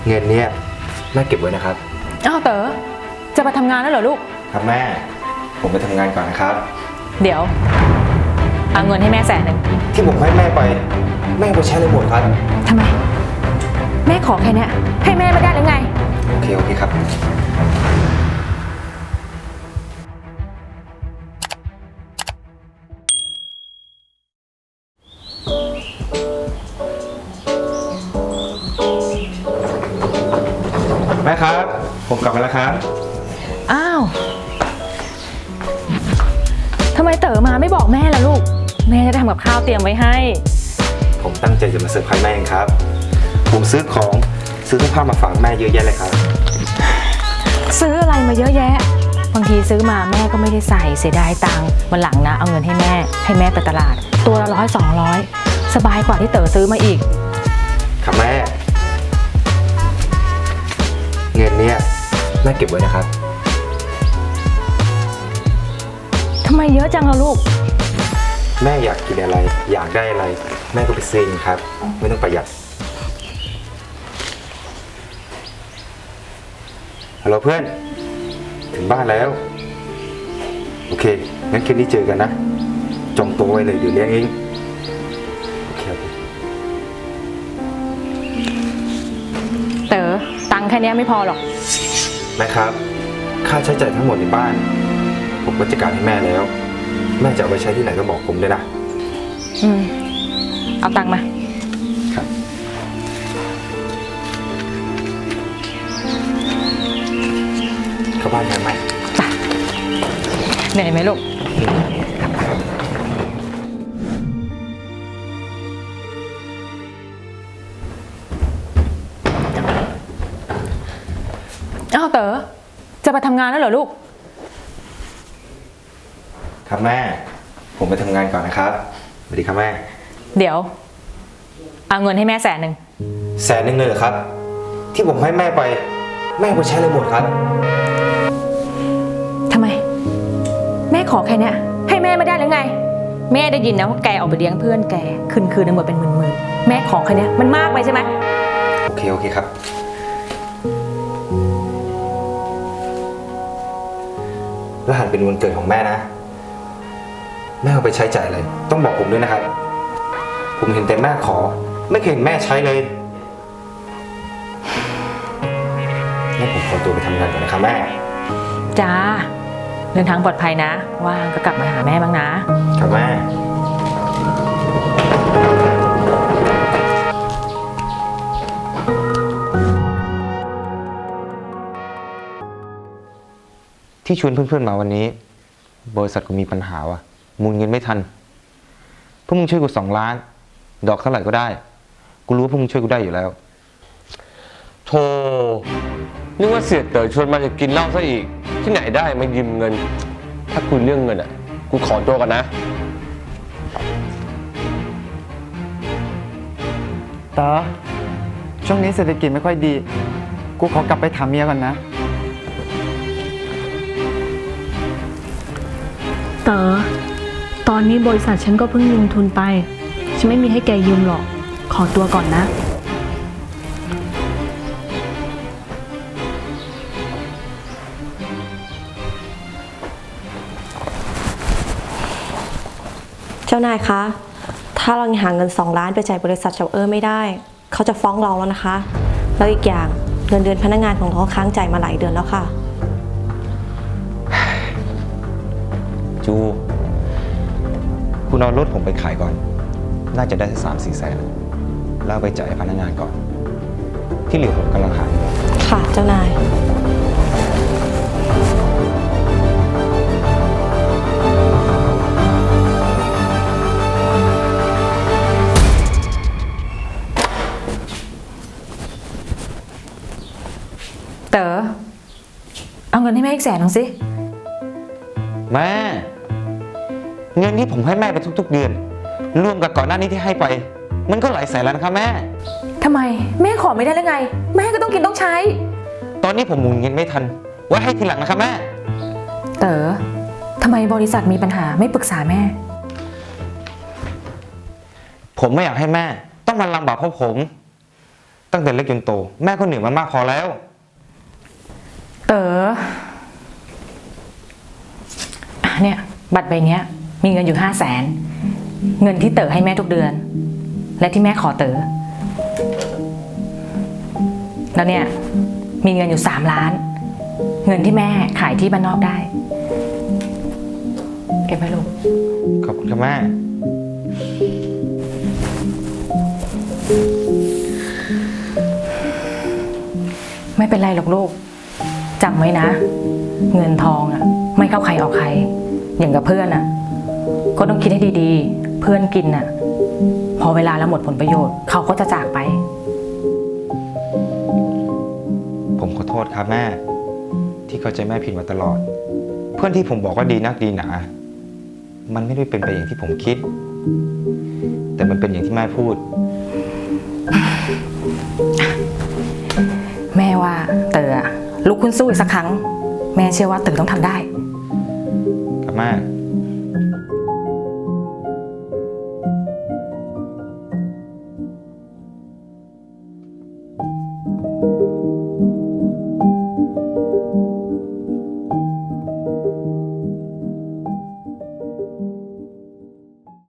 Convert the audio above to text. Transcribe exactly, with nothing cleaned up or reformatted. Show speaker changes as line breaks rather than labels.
เงินเนี้ยแม่เก็บไว้นะครับ
อ้าวเต๋อจะไปทำงานแล้วเหรอลูก
ครับแม่ผมไปทำงานก่อนนะครับ
เดี๋ยวเอาเงินให้แม่แสนหนึ่ง
ที่ผมให้แม่ไปแม่ไปใช้เลยหมดครับ
ทำไมแม่ขอแค่นี้ให้แม่ไม่ได้หรือไง
โอเคโอเคครับแม่ครับผมกลับมาแล้วครับ
อ้าวทำไมเต๋อมาไม่บอกแม่ล่ะลูกแม่จะทำกับข้าวเตรียมไว้ให้
ผมตั้งใจจะมาเซอร์ไพรส์แม่เองครับผมซื้อของซื้อเสื้อผ้ามาฝากแม่เยอะแยะเลยครับ
ซื้ออะไรมาเยอะแยะบางทีซื้อมาแม่ก็ไม่ได้ใส่เสียดายตังค์วันหลังนะเอาเงินให้แม่ให้แม่ไปตลาดตัวละร้อยสองร้อยสบายกว่าที่เต๋อซื้อมาอีก
ครับแม่เงินเนี้ยแม่เก็บไว้นะครับ
ทำไมเยอะจังล่ะลูก
แม่อยากกินอะไรอยากได้อะไรแม่ก็ไปซื้อเองครับไม่ต้องประหยัดฮัลโหลเพื่อนถึงบ้านแล้วโอเคงั้นคืนนี้เจอกันนะจองตัวไว้เลยเดี๋ยวเลี้ยงเองโอเค
เต๋อตังค์แค่นี้ไม่พอหรอก
แม่ครับค่าใช้จ่ายทั้งหมดในบ้านผมก็จัดการให้แม่แล้วแม่จะเอาไปใช้ที่ไหนก็บอกผมเลยนะ
อืมเอาตังค์มา
ครับเข้าบ้านกันไหม
เหนื่อยไหมลูกอ้าวเต๋อจะไปทำงานแล้วเหรอลูก
ครับแม่ผมไปทำงานก่อนนะครับสวัสดีครับแม่
เดี๋ยวเอาเงินให้แม่แสนหนึ่ง
แสนหนึ่งเลยเหรอครับที่ผมให้แม่ไปแม่ไปใช้เลยหมดครับ
ทำไมแม่ขอแค่นี้ให้แม่ไม่ได้หรือไงแม่ได้ยินนะว่าแกออกไปเลี้ยงเพื่อนแกคืนคืนนึงหมดเป็นหมื่นๆแม่ขอแค่นี้มันมากไปใช่ไหม
โอเคโอเคครับรหัสเป็นวันเกิดของแม่นะแม่เอาไปใช้จ่ายอะไรต้องบอกผมด้วยนะครับผมเห็นแต่แม่ขอไม่เคยเห็นแม่ใช้เลยงั้นผมขอตัวไปทำงานก่อนนะครับแม่
จ้าเดินทางปลอดภัยนะว่างก็กลับมาหาแม่บ้างนะครับ
แม่ที่ชวนเพื่อนๆมาวันนี้บริษัทกูมีปัญหาว่ะมูลเงินไม่ทันพวกมึงช่วยกูสองล้านดอกเท่าไหร่ก็ได้กูรู้ว่าพวกมึงช่วยกูได้อยู่แล้ว
โธ่นึกว่าเสียเต๋อชวนมาจะกินเหล้าซะอีกที่ไหนได้มายืมเงินถ้าคุยเรื่องเงินอ่ะกูขอตัวกันนะ
เต๋อช่วงนี้เศรษฐกิจไม่ค่อยดีกูขอกลับไปถามเมียก่อนนะ
เต๋อตอนนี้บริษัทฉันก็เพิ่งลงทุนไปฉันไม่มีให้แกยืมหรอกขอตัวก่อนนะ
เจ้านายคะถ้าเราหาเงินสองล้านไปจ่ายบริษัทเฉาเออไม่ได้เขาจะฟ้องเราแล้วนะคะแล้วอีกอย่างเงินเดือนพนักงานของเราค้างจ่ายมาหลายเดือนแล้วค่ะ
จูคุณเอารถผมไปขายก่อนน่าจะได้สักสามสี่แสนแล้วไปจ่ายพนักงานก่อนที่เหลือผมกำลังหา
ค่ะเจ้านาย
เต๋อเอาเงินให้แม่อีกแสนหนึ่งสิ
แม่เงินที่ผมให้แม่ไปทุกๆเดือนรวมกับก่อนหน้านี้ที่ให้ไปมันก็หลายแสนแล้วนะครับแม่
ทำไมแม่ขอไม่ได้หรือไงแม่ก็ต้องกินต้องใช้
ตอนนี้ผมหมุนเงินไม่ทันไว้ให้ทีหลังนะครับแม่
เต๋อทำไมบริษัทมีปัญหาไม่ปรึกษาแม่
ผมไม่อยากให้แม่ต้องมาลำบากเพราะผมตั้งแต่เล็กจนโต แม่ก็เหนื่อยมันมากพอแล้ว
เต๋ออ่ะเนี่ยบัตรใบเนี้ย มีเงินอยู่ห้าแสนเงินที่เต๋อให้แม่ทุกเดือน และที่แม่ขอเต๋อแล้วเนี่ยมีเงินอยู่สามล้าน เงินที่แม่ขายที่บ้านนอกได้เก็บไว้ลูก
ขอบคุณครับแม่
ไม่เป็นไรหรอกลูกจำไว้นะ เงินทองอ่ะ ไม่เข้าใครออกใคร อย่างกับเพื่อนอ่ะ ก็ต้องคิดให้ดีๆ เพื่อนกินอ่ะ พอเวลาแล้วหมดผลประโยชน์เขาก็จะจากไป
ผมขอโทษครับแม่ ที่เข้าใจแม่ผิดมาตลอด เพื่อนที่ผมบอกว่าดีนักดีหนา มันไม่ได้เป็นไปอย่างที่ผมคิด แต่มันเป็นอย่างที่แม่พูด
แม่ว่าเต๋ออะลุกขึ้นสู้อีกสักครั้ง แม่เชื่อว่าเต๋อต้องทำได้
ครับแม่